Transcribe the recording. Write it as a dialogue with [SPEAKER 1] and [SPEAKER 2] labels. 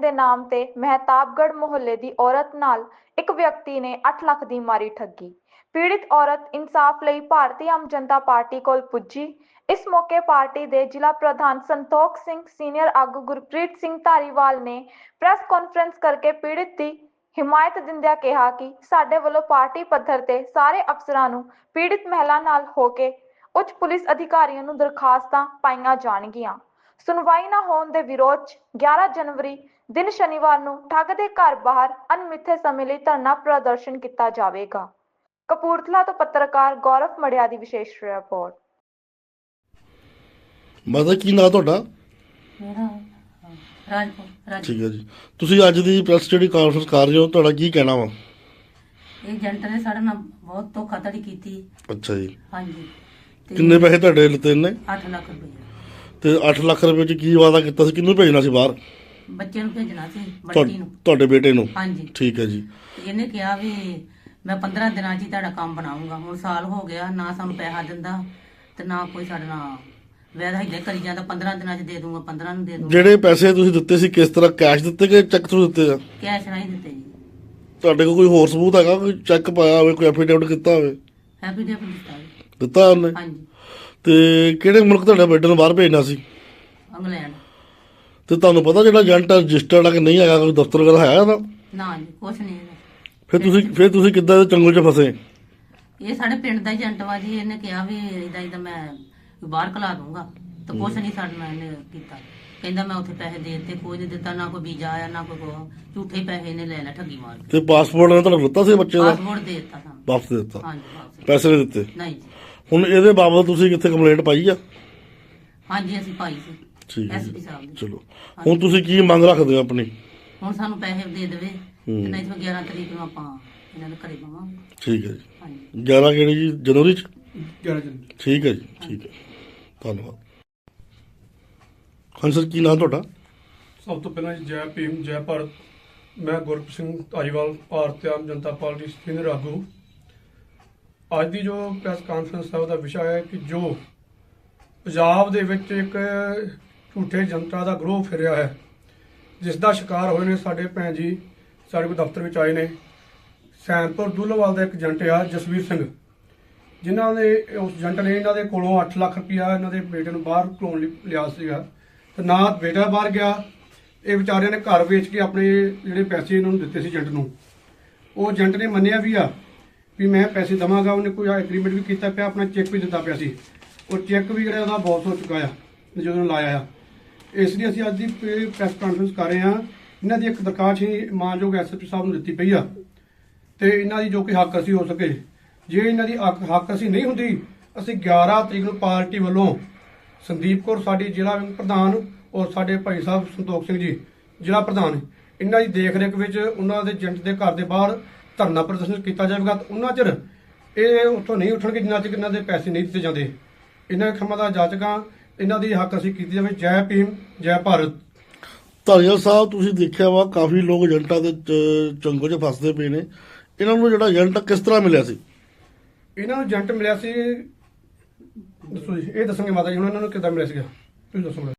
[SPEAKER 1] ਦੇ ਨਾਮ ਤੇ ਮਹਿਤਾਬਗੜ੍ਹ ਮੁਹੱਲੇ ਦੀ ਔਰਤ ਨਾਲ ਇੱਕ ਵਿਅਕਤੀ ਨੇ 8 ਲੱਖ ਦੀ ਮਾਰੀ ਠੱਗੀ। ਪੀੜਿਤ ਔਰਤ ਇਨਸਾਫ ਲਈ ਭਾਰਤੀ ਆਮ ਜਨਤਾ ਪਾਰਟੀ ਕੋਲ ਪੁੱਜੀ। ਇਸ ਮੌਕੇ ਪਾਰਟੀ ਦੇ ਜ਼ਿਲ੍ਹਾ ਪ੍ਰਧਾਨ ਸੰਤੋਖ ਸਿੰਘ, ਸੀਨੀਅਰ ਆਗੂ ਗੁਰਪ੍ਰੀਤ ਸਿੰਘ ਧਾਰੀਵਾਲ ਨੇ ਪ੍ਰੈਸ ਕਾਨਫਰੰਸ ਕਰਕੇ ਪੀੜਿਤ ਦੀ ਹਿਮਾਇਤ ਦਿੰਦਿਆਂ ਕਿਹਾ ਕਿ ਸਾਡੇ ਵੱਲੋਂ ਪਾਰਟੀ ਪੱਧਰ ਤੇ ਸਾਰੇ ਅਫਸਰਾਂ ਨੂੰ ਪੀੜਿਤ ਮਹਿਲਾ ਨਾਲ ਹੋ ਕੇ ਉੱਚ ਪੁਲਿਸ ਅਧਿਕਾਰੀਆਂ ਨੂੰ ਦਰਖਾਸਤਾਂ ਪਾਈਆਂ ਜਾਣਗੀਆਂ। ਸੁਣਵਾਈ ਨਾ ਹੋਣ ਦੇ ਵਿਰੋਧ 'ਚ 11 ਜਨਵਰੀ ਦਿਨ ਸ਼ਨੀਵਾਰ ਨੂੰ ਠੱਗ ਦੇ ਘਰ ਬਾਹਰ ਅਣਮਿੱਥੇ ਸਮੇਂ ਲਈ ਧਰਨਾ ਪ੍ਰਦਰਸ਼ਨ ਕੀਤਾ ਜਾਵੇਗਾ। ਕਪੂਰਥਲਾ ਤੋਂ ਪੱਤਰਕਾਰ ਗੌਰਵ ਮੜਿਆ ਦੀ ਵਿਸ਼ੇਸ਼ ਰਿਪੋਰਟ।
[SPEAKER 2] ਮਾਤਾ ਕੀ ਨਾਂ ਤੁਹਾਡਾ?
[SPEAKER 3] ਮੇਰਾ ਰਾਜਪੁਰ।
[SPEAKER 2] ਠੀਕ ਹੈ ਜੀ। ਤੁਸੀਂ ਅੱਜ ਦੀ ਪ੍ਰੈਸ ਜਿਹੜੀ ਕਾਨਫਰੰਸ ਕਰ ਰਹੇ ਹੋ, ਤੁਹਾਡਾ ਕੀ ਕਹਿਣਾ ਵਾ?
[SPEAKER 3] ਇਹ ਏਜੰਟ ਨੇ ਸਾਡੇ ਨਾਲ ਬਹੁਤ ਧੋਖਾਧੜੀ ਕੀਤੀ।
[SPEAKER 2] ਅੱਛਾ ਜੀ।
[SPEAKER 3] ਹਾਂਜੀ।
[SPEAKER 2] ਕਿੰਨੇ ਪੈਸੇ ਤੁਹਾਡੇ ਲਿੱਤੇ ਨੇ?
[SPEAKER 3] 8 ਲੱਖ ਰੁਪਏ।
[SPEAKER 2] ਤੇ 8 ਲੱਖ ਰੁਪਏ ਚ ਕੀ ਵਾਅਦਾ ਕੀਤਾ ਸੀ? ਕਿਹਨੂੰ ਭੇਜਣਾ ਸੀ ਬਾਹਰ?
[SPEAKER 3] ਬੱਚੇ ਨੂੰ ਭੇਜਣਾ ਸੀ, ਬੱਚੀ ਨੂੰ।
[SPEAKER 2] ਤੁਹਾਡੇ ਬੇਟੇ ਨੂੰ?
[SPEAKER 3] ਹਾਂਜੀ।
[SPEAKER 2] ਠੀਕ ਹੈ ਜੀ।
[SPEAKER 3] ਤੇ ਇਹਨੇ ਕਿਹਾ ਵੀ ਮੈਂ 15 ਦਿਨਾਂ 'ਚ ਹੀ ਤੁਹਾਡਾ ਕੰਮ ਬਣਾਉਂਗਾ। ਹੁਣ ਸਾਲ ਹੋ ਗਿਆ, ਨਾ ਸਾਨੂੰ ਪੈਸਾ ਦਿੰਦਾ ਤੇ ਨਾ ਕੋਈ ਸਾਡੇ ਨਾਲ ਵੈਦਾ ਹਿੱਲੇ ਕਰੀ ਜਾਂਦਾ। 15 ਦਿਨਾਂ 'ਚ ਦੇ ਦੂੰਗਾ, 15 ਨੂੰ ਦੇ ਦੂੰਗਾ।
[SPEAKER 2] ਜਿਹੜੇ ਪੈਸੇ ਤੁਸੀਂ ਦਿੱਤੇ ਸੀ ਕਿਸ ਤਰ੍ਹਾਂ, ਕੈਸ਼ ਦਿੱਤੇ ਕਿ ਚੈੱਕ ਥਰੂ ਦਿੱਤੇ ਆ?
[SPEAKER 3] ਕੈਸ਼ ਨਹੀਂ ਦਿੱਤੇ ਜੀ।
[SPEAKER 2] ਤੁਹਾਡੇ ਕੋਲ ਕੋਈ ਹੋਰ ਸਬੂਤ ਹੈਗਾ? ਕੋਈ ਚੈੱਕ ਪਾਇਆ ਹੋਵੇ, ਕੋਈ ਐਫੀਡੇਵਿਟ ਕੀਤਾ ਹੋਵੇ?
[SPEAKER 3] ਐਫੀਡੇਵਿਟ ਦਿੱਤਾ ਜੀ।
[SPEAKER 2] ਦਿੱਤਾ ਉਹਨੇ?
[SPEAKER 3] ਹਾਂਜੀ।
[SPEAKER 2] ਤੇ ਕਿਹੜੇ ਮੁਲਕ ਤੁਹਾਡੇ ਬੇਟੇ ਨੂੰ ਬਾਹਰ ਭੇਜਣਾ ਸੀ?
[SPEAKER 3] ਇੰਗਲੈਂਡ।
[SPEAKER 2] ਤੇ ਤੁਹਾਨੂੰ ਪਤਾ ਜਿਹੜਾ ਏਜੰਟ ਰਜਿਸਟਰਡ ਆ ਕਿ ਨਹੀਂ ਹੈਗਾ, ਕੋਈ ਦਫ਼ਤਰ ਵਗੈਰਾ ਹੈ ਉਹਦਾ?
[SPEAKER 3] ਨਾ ਜੀ, ਕੁਛ ਨਹੀਂ ਹੈਗਾ।
[SPEAKER 2] ਫਿਰ ਤੁਸੀਂ ਕਿੱਦਾਂ ਦੇ ਚੰਗਲ 'ਚ ਫਸੇ?
[SPEAKER 3] ਇਹ ਸਾਡੇ ਪਿੰਡ ਦਾ ਏਜੰਟ ਵਾ ਜੀ। ਇਹਨੇ ਕਿਹਾ ਵੀ ਇਦਾਂ ਮੈਂ ਬਾਹਰ ਕਲਾ ਦੂੰਗਾ, ਤੇ ਕੁਛ ਨਹੀਂ ਸਾਡੇ ਨਾਲ ਇਹਨੇ ਕੀਤਾ। ਕਹਿੰਦਾ ਮੈਂ ਉੱਥੇ ਪੈਸੇ ਦੇ ਦਿੱਤੇ, ਕੋਈ ਨਹੀਂ ਦਿੱਤਾ, ਨਾ ਕੋਈ ਵੀਜ਼ਾ ਆਇਆ ਨਾ ਕੋਈ ਝੂਠੇ ਪੈਸੇ ਇਹਨੇ ਲੈ ਲਿਆ ਠੱਗੀ ਮਾਰ ਕੇ।
[SPEAKER 2] ਤੇ ਪਾਸਪੋਰਟ ਨੇ ਤੁਹਾਨੂੰ ਦਿੱਤਾ ਸੀ ਬੱਚੇ ਦਾ?
[SPEAKER 3] ਪਾਸਪੋਰਟ ਦੇ ਦਿੱਤਾ ਸਾਨੂੰ।
[SPEAKER 2] ਵਾਪਸ ਦੇ ਦਿੱਤਾ?
[SPEAKER 3] ਹਾਂਜੀ, ਵਾਪਸ।
[SPEAKER 2] ਪੈਸੇ ਨਹੀਂ ਦਿੱਤੇ?
[SPEAKER 3] ਨਹੀਂ ਜੀ।
[SPEAKER 2] ਹੁਣ ਇਹਦੇ ਬਾਬਤ ਤੁਸੀਂ ਕਿੱਥੇ ਕੰਪਲੇਂਟ ਪਾਈ ਆ?
[SPEAKER 3] ਹਾਂਜੀ, ਅਸੀਂ ਪਾਈ ਸੀ
[SPEAKER 2] ਠੀਕ ਹੈ
[SPEAKER 3] ਐਸਪੀ
[SPEAKER 2] ਜੀ।
[SPEAKER 3] ਸਾਹਿਬ ਦੀ।
[SPEAKER 2] ਚਲੋ, ਹੁਣ ਤੁਸੀਂ ਕੀ ਮੰਗ ਰੱਖਦੇ ਹੋ ਆਪਣੀ?
[SPEAKER 3] ਹੁਣ ਸਾਨੂੰ ਪੈਸੇ ਦੇ ਦੇਵੇ, ਤੇ ਨਹੀਂ ਤਾਂ 11 ਤਰੀਕ ਨੂੰ ਆਪਾਂ ਇਹਨਾਂ ਦੇ ਘਰੇ ਪਾਵਾਂਗੇ।
[SPEAKER 2] ਠੀਕ ਹੈ ਜੀ।
[SPEAKER 3] ਹਾਂਜੀ।
[SPEAKER 2] 11 ਕਿਹੜੀ ਜੀ? ਜਨਵਰੀ 'ਚ?
[SPEAKER 4] 11 ਜਨਵਰੀ।
[SPEAKER 2] ਠੀਕ ਹੈ ਜੀ। ਠੀਕ ਹੈ, ਧੰਨਵਾਦ। ਹਾਂਜੀ ਸਰ, ਕੀ ਨਾਮ ਤੁਹਾਡਾ?
[SPEAKER 4] ਸਭ ਤੋਂ ਪਹਿਲਾਂ ਜੀ ਜੈ ਭੀਮ, ਜੈ ਭਾਰਤ। ਮੈਂ ਗੁਰਪ੍ਰੀਤ ਸਿੰਘ ਧਾਰੀਵਾਲ, ਭਾਰਤੀ ਆਮ ਜਨਤਾ ਪਾਰਟੀ ਸੀਨੀਅਰ ਆਗੂ। ਅੱਜ ਦੀ ਜੋ ਪ੍ਰੈਸ ਕਾਨਫਰੰਸ ਹੈ ਉਹਦਾ ਵਿਸ਼ਾ ਹੈ ਕਿ ਜੋ ਪੰਜਾਬ ਦੇ ਵਿੱਚ ਇੱਕ ਝੂਠੇ ਜਨਤਾ ਦਾ ਗਰੋਹ ਫਿਰਿਆ ਹੈ, ਜਿਸ ਦਾ ਸ਼ਿਕਾਰ ਹੋਏ ਨੇ ਸਾਡੇ ਭੈਣ ਜੀ। ਸਾਡੇ ਕੋਲ ਦਫ਼ਤਰ ਵਿੱਚ ਆਏ ਨੇ। ਸੈਨਪੁਰ ਦੁੱਲਵਾਲ ਦਾ ਇੱਕ ਏਜੰਟ ਆ ਜਸਵੀਰ ਸਿੰਘ, ਜਿਨ੍ਹਾਂ ਨੇ ਉਸ ਏਜੰਟ ਨੇ ਇਹਨਾਂ ਦੇ ਕੋਲੋਂ 8 ਲੱਖ ਰੁਪਇਆ ਇਹਨਾਂ ਦੇ ਬੇਟੇ ਨੂੰ ਬਾਹਰ ਘਲਾਉਣ ਲਈ ਲਿਆ ਸੀਗਾ। ਤੇ ਨਾ ਬੇਟਾ ਬਾਹਰ ਗਿਆ, ਇਹ ਵਿਚਾਰਿਆਂ ਨੇ ਘਰ ਵੇਚ ਕੇ ਆਪਣੇ ਜਿਹੜੇ ਪੈਸੇ ਇਹਨਾਂ ਨੂੰ ਦਿੱਤੇ ਸੀ ਏਜੰਟ ਨੂੰ। ਉਹ ਏਜੰਟ ਨੇ ਮੰਨਿਆ ਵੀ ਆ ਵੀ ਮੈਂ ਪੈਸੇ ਦੇਵਾਂਗਾ। ਉਹਨੇ ਕੋਈ ਐਗਰੀਮੈਂਟ ਵੀ ਕੀਤਾ ਪਿਆ, ਆਪਣਾ ਚੈੱਕ ਵੀ ਦਿੱਤਾ ਪਿਆ ਸੀ। ਉਹ ਚੈੱਕ ਵੀ ਜਿਹੜਾ ਉਹਦਾ ਬਾਉਂਸ ਹੋ ਚੁੱਕਾ ਆ ਜਦੋਂ ਲਾਇਆ ਆ। ਇਸ ਲਈ ਅਸੀਂ ਅੱਜ ਦੀ ਪ੍ਰੈਸ ਕਾਨਫਰੰਸ ਕਰ ਰਹੇ ਹਾਂ। ਇਹਨਾਂ ਦੀ ਇੱਕ ਦਰਖਾਸਤ ਹੀ ਮਾਨਯੋਗ ਐਸਐਸਪੀ ਸਾਹਿਬ ਨੂੰ ਦਿੱਤੀ ਪਈ ਆ, ਤੇ ਇਹਨਾਂ ਦੀ ਜੋ ਕਿ ਹੱਕ ਅਸੀਂ ਹੋ ਸਕੇ। ਜੇ ਇਹਨਾਂ ਦੀ ਹੱਕ ਅਸੀਂ ਨਹੀਂ ਹੁੰਦੀ, ਅਸੀਂ 11 ਤਰੀਕ ਨੂੰ ਪਾਰਟੀ ਵੱਲੋਂ ਸੰਦੀਪ ਕੌਰ ਸਾਡੀ ਜ਼ਿਲ੍ਹਾ ਪ੍ਰਧਾਨ ਔਰ ਸਾਡੇ ਭਾਈ ਸਾਹਿਬ ਸੰਤੋਖ ਸਿੰਘ ਜੀ ਜ਼ਿਲ੍ਹਾ ਪ੍ਰਧਾਨ, ਇਹਨਾਂ ਦੀ ਦੇਖ ਰੇਖ ਵਿੱਚ ਉਹਨਾਂ ਦੇ ਏਜੰਟ ਦੇ ਘਰ ਦੇ ਬਾਹਰ ਧਰਨਾ ਪ੍ਰਦਰਸ਼ਨ ਕੀਤਾ ਜਾਵੇਗਾ। ਉਹਨਾਂ ਚਿਰ ਇਹ ਉੱਥੋਂ ਨਹੀਂ ਉੱਠਣਗੇ ਜਿੰਨਾ ਚਿਰ ਇਹਨਾਂ ਦੇ ਪੈਸੇ ਨਹੀਂ ਦਿੱਤੇ ਜਾਂਦੇ। ਇਹਨਾਂ ਖੰਮਾਂ ਦਾ ਜਾਚਕਾਂ, ਇਹਨਾਂ ਦੀ ਹੱਕ ਅਸੀਂ ਕੀਤੀ ਜਾਵੇ। ਜੈ ਭੀਮ, ਜੈ ਭਾਰਤ।
[SPEAKER 2] ਧਾਰੀਵਾਲ ਸਾਹਿਬ, ਤੁਸੀਂ ਦੇਖਿਆ ਵਾ ਕਾਫੀ ਲੋਕ ਏਜੰਟਾਂ ਦੇ ਚੰਗਲ 'ਚ ਫਸਦੇ ਪਏ ਨੇ। ਇਹਨਾਂ ਨੂੰ ਜਿਹੜਾ ਏਜੰਟ ਕਿਸ ਤਰ੍ਹਾਂ ਮਿਲਿਆ ਸੀ?
[SPEAKER 4] ਇਹਨਾਂ ਨੂੰ ਏਜੰਟ ਮਿਲਿਆ ਸੀ, ਦੱਸੋ ਜੀ। ਇਹ ਦੱਸਣਗੇ ਮਾਤਾ ਜੀ ਹੁਣ ਇਹਨਾਂ ਨੂੰ ਕਿੱਦਾਂ ਮਿਲਿਆ ਸੀਗਾ, ਤੁਸੀਂ ਦੱਸੋ।